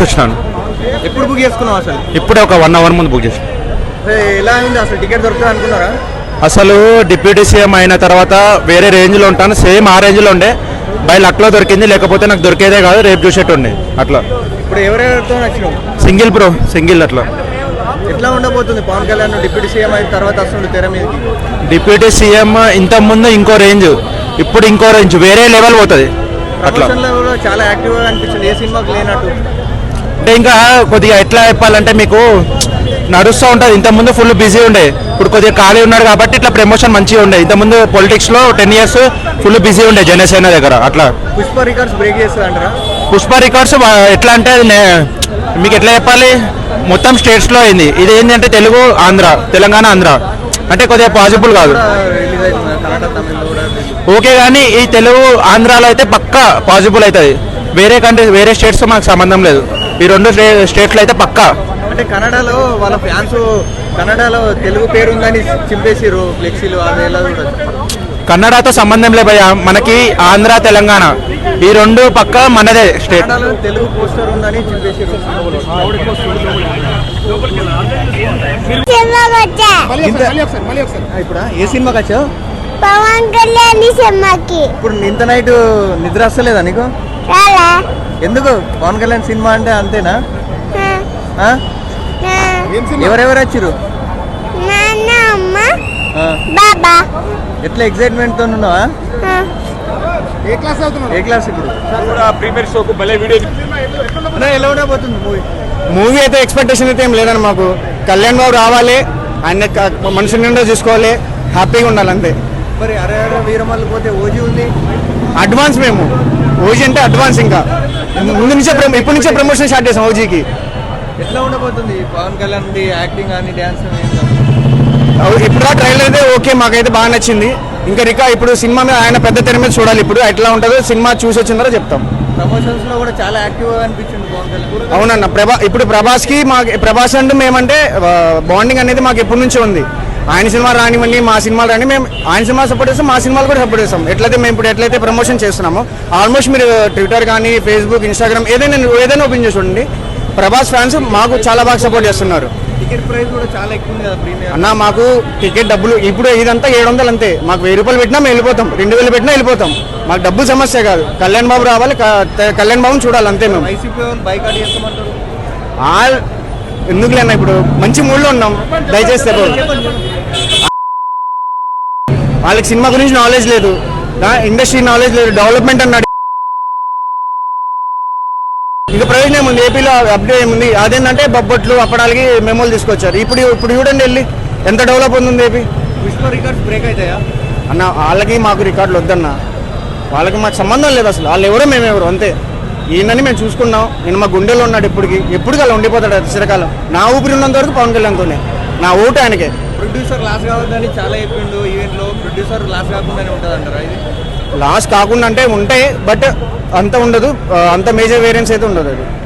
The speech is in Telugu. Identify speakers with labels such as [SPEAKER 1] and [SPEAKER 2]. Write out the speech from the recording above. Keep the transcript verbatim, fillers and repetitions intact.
[SPEAKER 1] నుంచి వచ్చినాను.
[SPEAKER 2] ఎప్పుడు బుక్ చేసుకున్నావు అసలు?
[SPEAKER 1] ఇప్పుడే ఒక వన్ అవర్ ముందు బుక్ చేసాను.
[SPEAKER 2] ఎలా ఉంది అసలు? టికెట్ దొరుకుతుంది అనుకున్నారా?
[SPEAKER 1] అసలు డిప్యూటీ సీఎం అయిన తర్వాత వేరే రేంజ్లో ఉంటాను, సేమ్ ఆ రేంజ్లో ఉండే. బై లక్లో దొరికింది, లేకపోతే నాకు దొరికేదే కాదు, రేపు చూసేట్టు ఉండే. అట్లా
[SPEAKER 2] ఇప్పుడు ఎవరెవరితో నచ్చినావు?
[SPEAKER 1] Single bro, single. అట్లా
[SPEAKER 2] ఎట్లా ఉండబోతుంది పవన్ కళ్యాణ్ డిప్యూటీ సీఎం అయిన తర్వాత అసలు తెర మీద?
[SPEAKER 1] డిప్యూటీ సీఎం ఇంత ముందు ఇంకో రేంజ్, ఇప్పుడు ఇంకో రేంజ్, వేరే లెవెల్ పోతుంది. అట్లా
[SPEAKER 2] చాలా యాక్టివ్గా అనిపిస్తుంది, ఏ సినిమాకి లేనట్టు.
[SPEAKER 1] అంటే ఇంకా కొద్దిగా ఎట్లా చెప్పాలంటే మీకు నడుస్తూ ఉంటుంది. ఇంతకుముందు ఫుల్ బిజీ ఉండే, ఇప్పుడు కొద్దిగా ఖాళీ ఉన్నాడు కాబట్టి ఇట్లా ప్రమోషన్ మంచిగా ఉండే. ఇంతకుముందు పొలిటిక్స్లో టెన్ ఇయర్స్ ఫుల్ బిజీ ఉండే జనసేన దగ్గర. అట్లా
[SPEAKER 2] పుష్ప రికార్డ్స్ బ్రేక్ చేస్తుంది అంటారా?
[SPEAKER 1] పుష్ప రికార్డ్స్ ఎట్లా అంటే మీకు ఎట్లా చెప్పాలి, మొత్తం స్టేట్స్లో అయింది. ఇది ఏంటంటే తెలుగు ఆంధ్ర, తెలంగాణ ఆంధ్ర అంటే కొద్దిగా పాసిబుల్ కాదు. ఓకే, కానీ ఈ తెలుగు ఆంధ్రాలో అయితే పక్కా పాసిబుల్ అవుతుంది. వేరే కంట్రీ వేరే స్టేట్స్తో మాకు సంబంధం లేదు. ఈ రెండు స్టేట్లో అయితే పక్కా.
[SPEAKER 2] అంటే కన్నడలో వాళ్ళ ఫ్యాన్స్ కన్నడలో తెలుగు పేరు ఉందని చింపేసిరు ఫ్లెక్సీలు, అదేలా కూడా.
[SPEAKER 1] కన్నడతో సంబంధం లే భయ్యా, మనకి ఆంధ్ర తెలంగాణ ఈ రెండు పక్క మనదే స్టేట్.
[SPEAKER 2] తెలుగు పోస్టర్ ఉందని చింపేసిరు. ఇప్పుడు ఏ సినిమాకి వచ్చావు?
[SPEAKER 3] పవన్ కళ్యాణ్ సినిమాకి.
[SPEAKER 2] ఇప్పుడు ఇంత నైట్ నిద్ర వస్తలేదా నీకు? ఎందుకు? పవన్ కళ్యాణ్ సినిమా అంటే అంతేనా? ఎవరెవరు వచ్చారు?
[SPEAKER 3] బాబా.
[SPEAKER 2] ఎట్లా ఎక్సైట్మెంట్ తో ఉన్నావా? ఏ క్లాస్ అవుతున్నావు? ఏ క్లాస్ ఇప్పుడు? ఎలా ఉండబోతుంది మూవీ?
[SPEAKER 4] మూవీ అయితే ఎక్స్పెక్టేషన్ అయితే ఏం లేదని మాకు. కళ్యాణ్ బాబు రావాలి, ఆయన మనుషుల నిండా చూసుకోవాలి, హ్యాపీగా ఉండాలి అంతే.
[SPEAKER 2] మరి అరే అరే వీరమల్లి పోతే ఓజీ ఉంది.
[SPEAKER 4] అడ్వాన్స్ మేము ఓజీ అంటే అడ్వాన్స్, ఇంకా ముందు నుంచే ఇప్పటి నుంచే ప్రమోషన్ స్టార్ట్ చేసాం ఓజీకి.
[SPEAKER 2] ఎట్లా ఉండబోతుంది పవన్ కళ్యాణ్ యాక్టింగ్ కానీ డ్యాన్స్?
[SPEAKER 4] ఇప్పుడు ఆ ట్రైలర్ అయితే ఓకే, మాకైతే బాగా నచ్చింది. ఇంకా రికా ఇప్పుడు సినిమా మీద ఆయన పెద్ద తెర మీద చూడాలి. ఇప్పుడు ఎట్లా ఉంటుందో సినిమా చూసి వచ్చిన తర్వాత చెప్తాం.
[SPEAKER 2] ప్రమోషన్స్ లో కూడా చాలా యాక్టివ్గా అనిపించింది పవన్ కళ్యాణ్.
[SPEAKER 4] అవునన్న, ప్రభా ఇప్పుడు ప్రభాస్కి మాకు ప్రభాస్ అంటూ మేమంటే బాండింగ్ అనేది మాకు ఎప్పటి నుంచో ఉంది. ఆయన సినిమా రానివ్వండి, మా సినిమాలు రాని, మేము ఆయన సినిమా సపోర్ట్ చేస్తాం, మా సినిమాలు కూడా సపోర్ట్ చేస్తాం. ఎట్లయితే మేము ఇప్పుడు ఎట్లయితే ప్రమోషన్ చేస్తున్నామో ఆల్మోస్ట్ మీరు ట్విట్టర్ కానీ ఫేస్బుక్ ఇన్స్టాగ్రామ్ ఏదైనా ఏదైనా ఓపెన్ చేసి చూడండి, ప్రభాస్ ఫ్యాన్స్ మాకు చాలా బాగా సపోర్ట్ చేస్తున్నారు.
[SPEAKER 2] టికెట్ ప్రైస్ కూడా చాలా ఎక్కువ ఉంది కదా ప్రీమియం.
[SPEAKER 4] అన్న మాకు టికెట్ డబ్బులు ఇప్పుడు ఇదంతా ఏడు వందలు అంతే. మాకు వెయ్యి రూపాయలు పెట్టినా మేము వెళ్ళిపోతాం, రెండు వేలు పెట్టినా వెళ్ళిపోతాం. మాకు డబ్బు సమస్య కాదు. కళ్యాణ్ బాబు రావాలి, కళ్యాణ్ బాబుని చూడాలి అంతే. మేము
[SPEAKER 2] బైకాట్ చేస్తామంటారు.
[SPEAKER 4] ఎందుకు లేనా, ఇప్పుడు మంచి మూడ్లో ఉన్నాం. దయచేసి వాళ్ళకి సినిమా గురించి నాలెడ్జ్ లేదు, ఇండస్ట్రీ నాలెడ్జ్ లేదు, డెవలప్మెంట్ అన్నాడు. ఇంకా ప్రయోజనం ఏముంది? ఏపీలో అప్డేట్ ఏముంది? అదేంటంటే బొబ్బట్లు అప్పడానికి మెమోలు తీసుకొచ్చారు. ఇప్పుడు ఇప్పుడు చూడండి వెళ్ళి ఎంత డెవలప్ ఉంది ఏపీ.
[SPEAKER 2] విశ్వ రికార్డ్స్ బ్రేక్ అవుతాయా
[SPEAKER 4] అన్న? వాళ్ళకి మాకు రికార్డులు వద్దన్న, వాళ్ళకి మాకు సంబంధం లేదు అసలు. వాళ్ళు ఎవరో మేమెవరు అంతే. ఈయనని మేము చూసుకున్నాం, నేను మా గుండెలో ఉన్నాడు ఎప్పటికి, ఎప్పటికీ అలా ఉండిపోతాడు చిరకాలం. నా ఊపిరి ఉన్నంత వరకు పవన్ కళ్యాణ్తోనే, నా ఓటు ఆయనకే.
[SPEAKER 2] ప్రొడ్యూసర్ లాస్ కావద్దని చాలా చెప్పిండు ఈవెంట్లో. ప్రొడ్యూసర్ లాస్ కాకుండానే ఉంటుంది అంటారా? ఇది
[SPEAKER 4] లాస్ కాకుండా అంటే ఉంటాయి, బట్ అంత ఉండదు, అంత మేజర్ వేరియన్స్ అయితే ఉండదు అది.